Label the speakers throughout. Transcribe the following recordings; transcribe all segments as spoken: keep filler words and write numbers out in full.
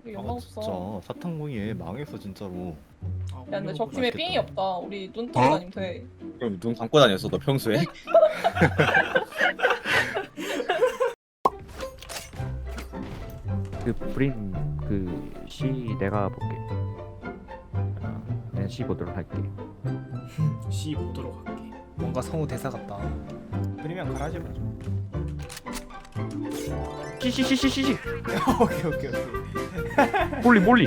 Speaker 1: 우리
Speaker 2: 아
Speaker 1: 연막
Speaker 2: 진짜
Speaker 1: 없어.
Speaker 2: 사탕공이에 망했어 진짜로.
Speaker 3: 아,
Speaker 1: 야 근데 적 팀에
Speaker 2: 맛있겠다.
Speaker 1: 삥이 없다. 우리 눈 뜨고
Speaker 4: 어?
Speaker 1: 다니면 돼.
Speaker 4: 그럼 눈 감고 다녔어 너 평소에?
Speaker 5: 그 브림 그 시 내가 볼게. 아, 내가 시 보도록 할게.
Speaker 3: C 보도록 할게. 뭔가 성우 대사 같다. 그러면 가라지 마.
Speaker 5: 시시시시시.
Speaker 3: 오케이 오케이 오케이.
Speaker 5: 몰리 몰리.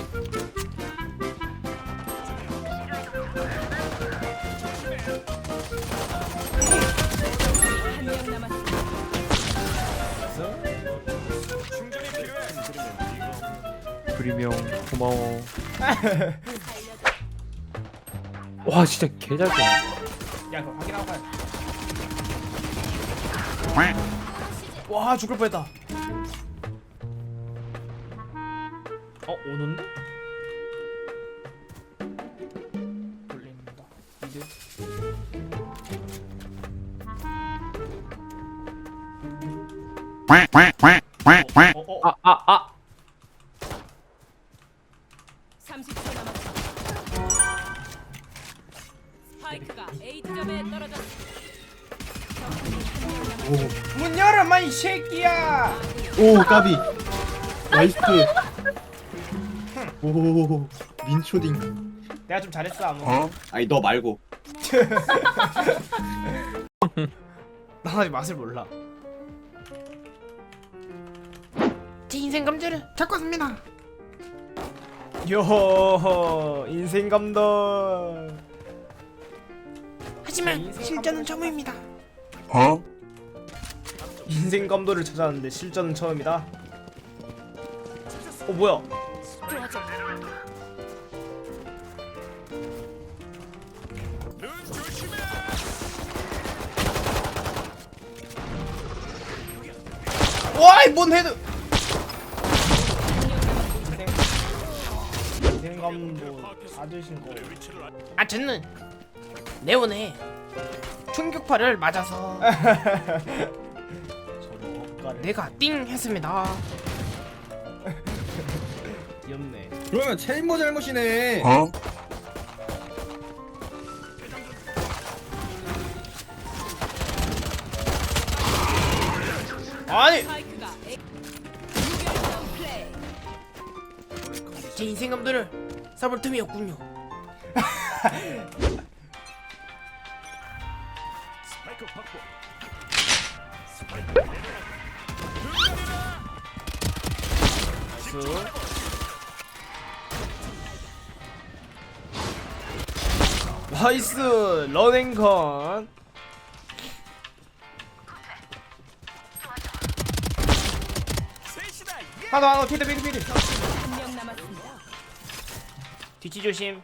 Speaker 5: 브림형 고마워. 와 진짜 개잘 쏘네.
Speaker 3: 야 그거 확인하고 가야 돼. 와 죽을 뻔했다. 어 오는데? 돌린다. 미드. 어, 어, 어.
Speaker 5: 아 아 아.
Speaker 6: 삼십 초 남았습니다. 스파이크가 A점에 떨어졌습니다.
Speaker 3: 문 열어 마이 새끼야.
Speaker 4: 오 까비 나이스. 오 민초딩.
Speaker 3: 내가 좀 잘했어 아무.
Speaker 4: 어? 아니 너 말고.
Speaker 3: 난 아직 맛을 몰라. 제 인생 감자를 잡고 왔습니다. 요 인생 감동. 하지만 실전은 처음입니다.
Speaker 4: 어?
Speaker 3: 인생 감도를 찾았는데 실전은 처음이다. 어 뭐야? 와이 뭔 헤드? 인생 인생 감도 받으신 거. 아 저는 네온에 충격파를 맞아서 내가 띵 했습니다. 귀엽네.
Speaker 4: 그러면 체인모 잘못이네. 어?
Speaker 3: 아니
Speaker 6: 스파이크가 A 무결점 플레이.
Speaker 3: 제 인생 감도를 써볼 틈이었군요. 나이스 러닝건. 하나 하나 피드 피드 피드.
Speaker 6: 한명 남았습니다.
Speaker 3: 뒤치 조심.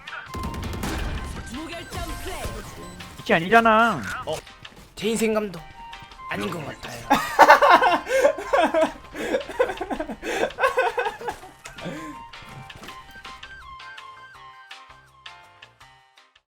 Speaker 6: 무결점 플레이.
Speaker 5: 이게 아니잖아.
Speaker 3: 제 인생 감도 아닌 것 같아요.